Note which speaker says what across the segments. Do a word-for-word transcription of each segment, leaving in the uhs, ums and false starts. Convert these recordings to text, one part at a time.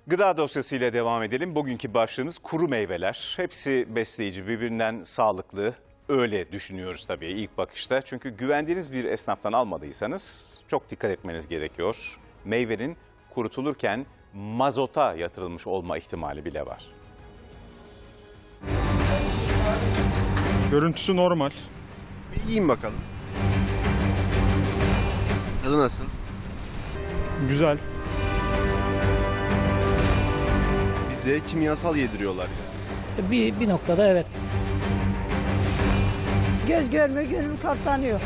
Speaker 1: Gıda dosyasıyla devam edelim. Bugünkü başlığımız kuru meyveler. Hepsi besleyici, birbirinden sağlıklı. Öyle düşünüyoruz tabii ilk bakışta. Çünkü güvendiğiniz bir esnaftan almadıysanız çok dikkat etmeniz gerekiyor. Meyvenin kurutulurken mazota yatırılmış olma ihtimali bile var.
Speaker 2: Görüntüsü normal.
Speaker 3: Bir yiyin bakalım. Tadı nasıl?
Speaker 2: Güzel.
Speaker 3: Bize kimyasal yediriyorlar ya.
Speaker 4: Bir, bir noktada evet.
Speaker 5: Göz görmüyor, gönül katlanıyor.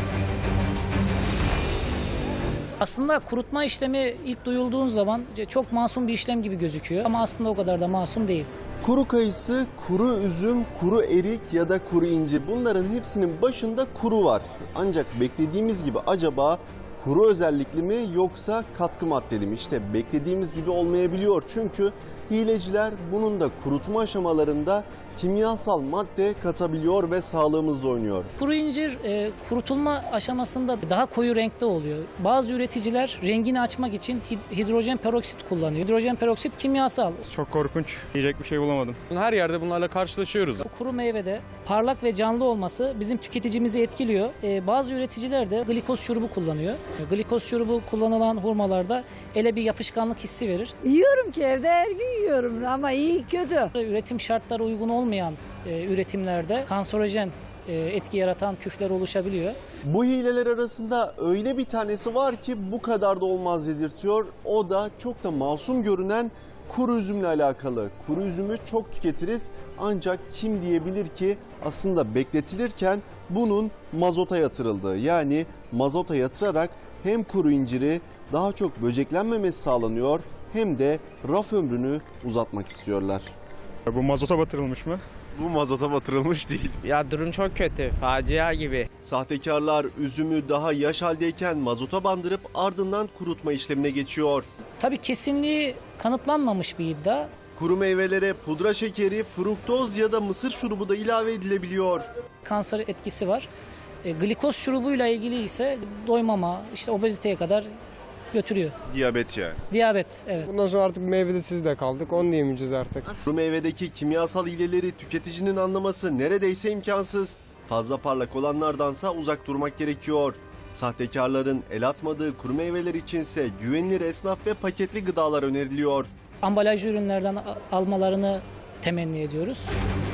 Speaker 4: Aslında kurutma işlemi ilk duyulduğun zaman çok masum bir işlem gibi gözüküyor. Ama aslında o kadar da masum değil.
Speaker 6: Kuru kayısı, kuru üzüm, kuru erik ya da kuru incir, bunların hepsinin başında kuru var. Ancak beklediğimiz gibi acaba kuru özellikli mi yoksa katkı maddeli mi? İşte beklediğimiz gibi olmayabiliyor. Çünkü hileciler bunun da kurutma aşamalarında kimyasal madde katabiliyor ve sağlığımızla oynuyor.
Speaker 4: Kuru incir e, kurutulma aşamasında daha koyu renkte oluyor. Bazı üreticiler rengini açmak için hid- hidrojen peroksit kullanıyor. Hidrojen peroksit kimyasal.
Speaker 2: Çok korkunç. Yiyecek bir şey bulamadım.
Speaker 7: Her yerde bunlarla karşılaşıyoruz.
Speaker 4: Kuru meyvede parlak ve canlı olması bizim tüketicimizi etkiliyor. E, bazı üreticiler de glikoz şurubu kullanıyor. Glikoz şurubu kullanılan hurmalarda ele bir yapışkanlık hissi verir.
Speaker 5: Yiyorum ki evde her gün yiyorum ama iyi kötü.
Speaker 4: Üretim şartları uygun olmayan e, üretimlerde kanserojen e, etki yaratan küfler oluşabiliyor.
Speaker 6: Bu hileler arasında öyle bir tanesi var ki bu kadar da olmaz dedirtiyor. O da çok da masum görünen kuru üzümle alakalı. Kuru üzümü çok tüketiriz ancak kim diyebilir ki aslında bekletilirken bunun mazota yatırıldığı, yani mazota yatırarak hem kuru inciri daha çok böceklenmemesi sağlanıyor hem de raf ömrünü uzatmak istiyorlar.
Speaker 2: Bu mazota batırılmış mı?
Speaker 3: Bu mazota batırılmış değil.
Speaker 8: Ya durum çok kötü. Facia gibi.
Speaker 6: Sahtekarlar üzümü daha yaş haldeyken mazota bandırıp ardından kurutma işlemine geçiyor.
Speaker 4: Tabii kesinliği kanıtlanmamış bir iddia.
Speaker 6: Kuru meyvelere pudra şekeri, fruktoz ya da mısır şurubu da ilave edilebiliyor.
Speaker 4: Kanser etkisi var. E, glikoz şurubuyla ilgili ise doymama, işte obeziteye kadar götürüyor.
Speaker 3: Diyabet yani.
Speaker 4: Diyabet, evet.
Speaker 9: Bundan sonra artık meyvede siz de kaldık. Onu da yemeyeceğiz artık.
Speaker 6: Kuru meyvedeki kimyasal hileleri tüketicinin anlaması neredeyse imkansız. Fazla parlak olanlardansa uzak durmak gerekiyor. Sahtekarların el atmadığı kuru meyveler içinse güvenilir esnaf ve paketli gıdalar öneriliyor.
Speaker 4: Ambalajlı ürünlerden a- almalarını temenni ediyoruz.